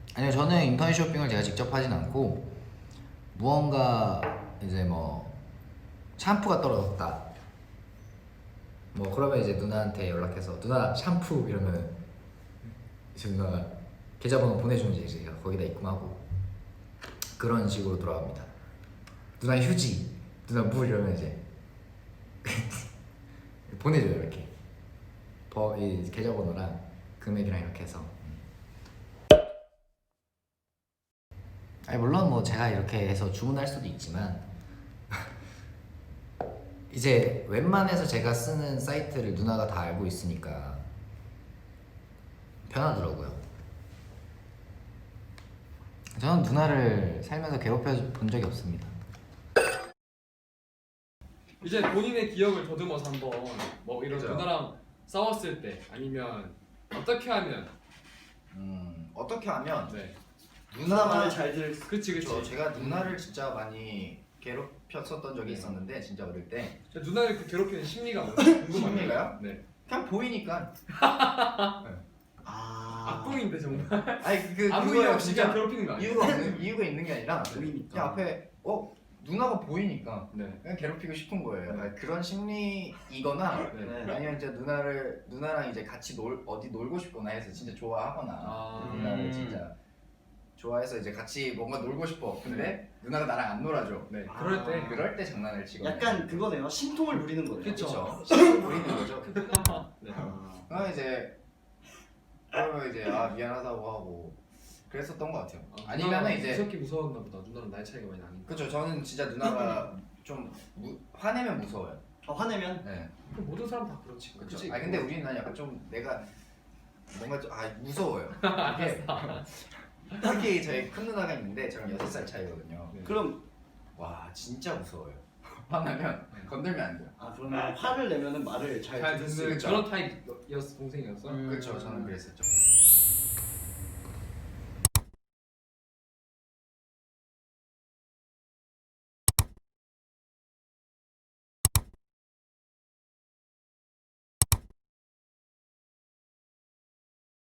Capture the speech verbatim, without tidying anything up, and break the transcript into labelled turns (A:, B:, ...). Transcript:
A: 아니요, 저는 인터넷 쇼핑을 제가 직접 하진 않고 무언가 이제 뭐 샴푸가 떨어졌다 뭐 그러면 이제 누나한테 연락해서 누나 샴푸 이러면 이제 누나가 계좌번호 보내주면 이제 제가 거기다 입금하고 그런 식으로 돌아갑니다. 누나 휴지, 누나 물 이러면 이제 보내줘요. 이렇게 버, 이 계좌번호랑 금액이랑 이렇게 해서. 아니 물론 뭐 제가 이렇게 해서 주문할 수도 있지만 이제 웬만해서 제가 쓰는 사이트를 누나가 다 알고 있으니까 편하더라고요. 저는 누나를 살면서 괴롭혀 본 적이 없습니다.
B: 이제 본인의 기억을 더듬어서 한번 뭐 이런
A: 그죠.
B: 누나랑 싸웠을 때 아니면 어떻게 하면
A: 음 어떻게 하면
B: 네
C: 누나만을 잘 들을 수.
B: 그치 그치
A: 저 제가 누나를 진짜 많이 괴롭혔었던 적이
B: 네.
A: 있었는데 진짜 어릴 때.
B: 저 누나를 그 괴롭히는 심리가 뭔지 궁금해요.
A: 심리가요?
B: 네
A: 그냥 보이니까.
C: 아.
B: 악동인데 정말
A: 아니 그
B: 아무 이유
A: 그거예요,
B: 없이
A: 진짜.
B: 그냥 괴롭히는 거 아니에요?
A: 이유가 없는 이유가 있는 게 아니라
C: 보이니까.
A: 그냥 앞에 어 누나가 보이니까
B: 네
A: 그냥 괴롭히고 싶은 거예요.
B: 네.
A: 아니, 그런 심리이거나
B: 네.
C: 네.
A: 아니면 이제 누나를 누나랑 이제 같이 놀 어디 놀고 싶거나 해서 진짜 좋아하거나
B: 아.
A: 누나를
C: 음.
A: 진짜 좋아해서 이제 같이 뭔가 놀고 싶어. 근데
B: 네.
A: 누나가 나랑 안 놀아줘.
B: 네
C: 아.
B: 그럴 때
A: 그럴 때 장난을 치거든요.
C: 약간 그거네요. 심통을 누리는 거네요.
B: 그쵸.
A: 그렇죠. 신경 보이는 거죠.
B: 네.
C: 아.
A: 그러면 이제 그러면 이제 아 미안하다고 하고 그랬었던 것 같아요.
B: 아,
A: 아니면은
B: 누나가
A: 이제
B: 무섭게 무서웠나 보다. 누나랑 나이 차이가 많이 나니까.
A: 그렇죠. 저는 진짜 누나가 좀 무, 화내면 무서워요.
C: 어, 화내면
A: 네.
B: 그 모든 사람 다 그렇지.
A: 그렇죠.
B: 그치?
A: 아 근데 우리는 약간 좀 내가 뭔가 좀 아 무서워요. 이게 특히 저희 큰 누나가 있는데 저랑 여섯 살 차이거든요.
B: 네.
C: 그럼
A: 와 진짜 무서워요. 화나면 건들면 안 돼요.
C: 아 그러면 화를 내면은 말을 잘
B: 잘
C: 듣는
B: 듣는
A: 그쵸.
B: 그런 타입이었어 동생이었어.
C: 음.
A: 그렇죠. 저는 그랬었죠.